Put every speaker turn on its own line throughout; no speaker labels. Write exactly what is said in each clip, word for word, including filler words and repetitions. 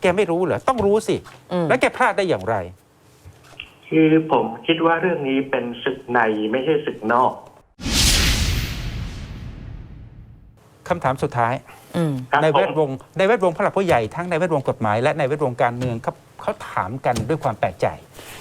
กไม่รู้เหรอต้องรู้สิแล้วแกพลาดได้อย่างไร
คือผมคิดว่าเรื่องนี้เป็นศึกในไม่ใช่ศึกนอก
คำถามสุดท้าย
ครับ
ในแวด
ผม
วงในแวดวงผู้หลักผู้ใหญ่ทั้งในแวดวงกฎหมายและในแวดวงการเมืองเขาเขาถามกันด้วยความแปลกใจ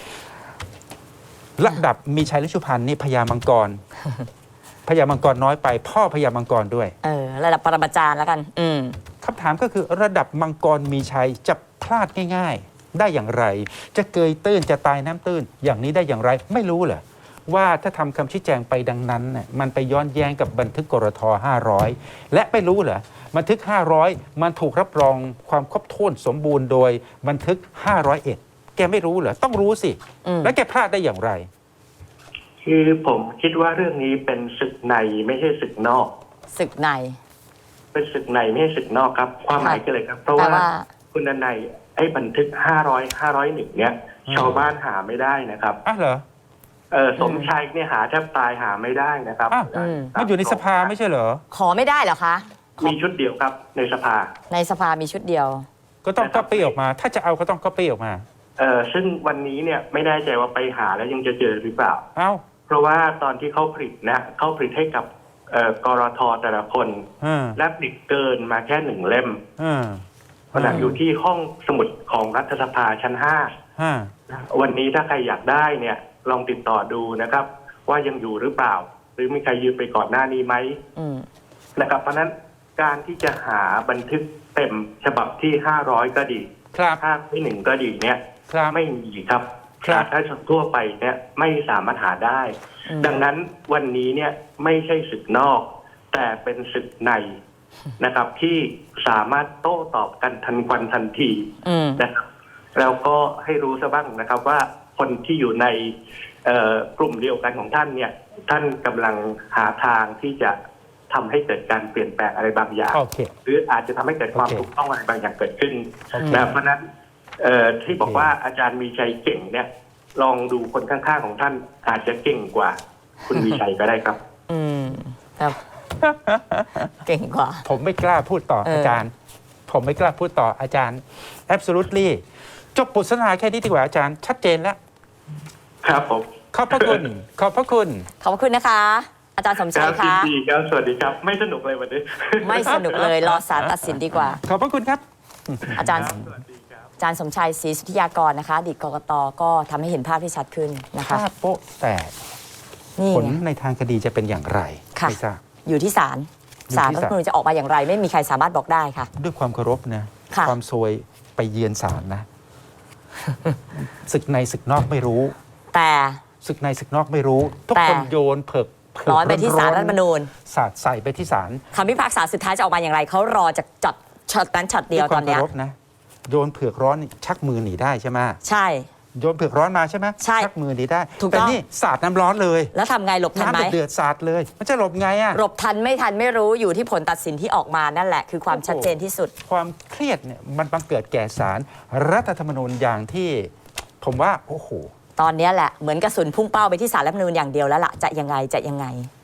ระดับมีชัยฤชุพันธ์นี่พญามังกร พญามังกรน้อยไป พ่อพญามังกรด้วย
เออระดับปรมาจารย์แล้วกัน อืม
คำถามก็คือระดับมังกรมีชัยจะพลาดง่ายๆได้อย่างไร จะเกยตื้นจะตายน้ำตื้นอย่างนี้ได้อย่างไรไม่รู้เหรอว่าถ้าทำคำชี้แจงไปดังนั้นน่ะมันไปย้อนแย้งกับบันทึกกรทห้าร้อยและไม่รู้เหรอบันทึกห้าร้อยมันถูกรับรองความครบถ้วนสมบูรณ์โดยบันทึกห้าร้อยเอ็ดแกไม่รู้เหรอต้องรู้สิแล้วแกพลาดได้อย่างไร
คือผมคิดว่าเรื่องนี้เป็นศึกในไม่ใช่ศึกนอก
ศึกใน
เป็นศึกในไม่ใช่ศึกนอกครับความหมายก็เลยครับเพราะว่าคุณนายไอ้บันทึกห้าร้อย ห้าร้อยเอ็ดเนี้ยชาวบ้านหาไม่ได้นะครับ
อ้าวเหรอ
เออสมชัยเนี่ยหาแทบตายหาไม่ได้นะครับ
มันอยู่ในสภาไม่ใช่เหรอ
ขอไม่ได้เหรอคะ
มีชุดเดียวครับในสภา
ในสภามีชุดเดียว
ก็ต้องก๊อปปี้ออกมาถ้าจะเอาก็ต้องก๊อปปี้ออกมา
เออซึ่งวันนี้เนี่ยไม่แน่ใจว่าไปหาแล้วยังจะเจอหรือเปล่า
เอ้า
เพราะว่าตอนที่เขาผลิตนะเขาผลิตให้กับกรทแต่ละคนและผลิตเกินมาแค่หนึ่งเล่มขณะอยู่ที่ห้องสมุดของรัฐสภาชั้นห้าวันนี้ถ้าใครอยากได้เนี่ยลองติดต่อดูนะครับว่ายังอยู่หรือเปล่าหรือมีใครยืมไปก่อนหน้านี้ไหมนะครับเพราะนั้นการที่จะหาบันทึกเต็มฉบับที่ห้าร้อยก็ดีภาคที่หนึ่งก็ดีเนี่ยไม่มีครับประชาชนทั่วไปเนี่ยไม่สามารถหาได้ดังนั้นวันนี้เนี่ยไม่ใช่ศึกนอกแต่เป็นศึกในนะครับที่สามารถโต้ตอบกันทันควันทันทีนะครับแล้วก็ให้รู้ซะบ้างนะครับว่าคนที่อยู่ในกลุ่มเดียวกันของท่านเนี่ยท่านกำลังหาทางที่จะทำให้เกิดการเปลี่ยนแปลงอะไรบางอย่าง
okay.
หรืออาจจะทำให้เกิดความ
okay.
ถูกต้องอะไรบางอย่างเกิดขึ้น
okay.
นะเพราะนั้นที่บอกว่าอาจารย์มีชัยเก่งเนี่ยลองดูคนข้างๆของท่านอาจจะเก่งกว่าคุณมีชัยก็ได้ครับ
อืมครับเก่งกว่า
ผมไม่กล้าพูดต่ออาจารย์ผมไม่กล้าพูดต่ออาจารย์ absolutely จบบทสนทนาแค่นี้ดีกว่าอาจารย์ชัดเจนแล้ว
ครับผม
ขอบพระคุณขอบพระคุณ
ขอบพระคุณนะคะอาจารย์สมชัยคะ
ดีครับสวัสดีครับไม่สนุกเลยวันนี้
ไม่สนุกเลยรอศาลตัดสินดีกว่า
ขอบพระคุณครับ
อาจารย์อาจารย์สมชัยศรีสุทธิยากรนะคะอดีตกกต.ก็ทำให้เห็นภาพที่ชัดขึ้นนะคะ
ภาพโป๊ะแตกผลในทางคดีจะเป็นอย่างไรไม่ทราบ
อยู่ที่ศาลศาลรัฐธรรมนูญจะออกมาอย่างไรไม่มีใครสามารถบอกได้ค่ะ
ด้วยความเคารพนะความซวยไปเยือนศาลนะศึกในศึกนอกไม่รู้
แต่
ศึกในศึกนอกไม่รู้ทุกคนโยนเผิก
ร้อนไปที่ศาลรัฐธรรมนูญ
สาดใส่ไปที่ศาล
คำพิพากษาสุดท้ายจะออกมาอย่างไรเขารอจากจัดช็อตนั้นช็อตเดียวตอนนี้
นะโยนเผือกร้อนชักมือหนีได้ใช่ไหม
ใช่
โยนเผือกร้อนมาใช่ไหม
ใช่
ชักมือหนีได้แต่นี่สาดน้ำร้อนเลย
แล้วทำไงหลบทันไหม
น้ำเดือดสาดเลยมันจะหลบไงอะ
หลบทันไม่ทันไม่รู้อยู่ที่ผลตัดสินที่ออกมานั่นแหละคือความชัดเจนที่สุด
ความเครียดเนี่ยมันบังเกิดแก่ศาลรัฐธรรมนูญอย่างที่ผมว่าโอ้โห
ตอนนี้แหละเหมือนกระสุนพุ่งเป้าไปที่ศาลรัฐธรรมนูญอย่างเดียวแล้วล่ะจะยังไงจะยังไง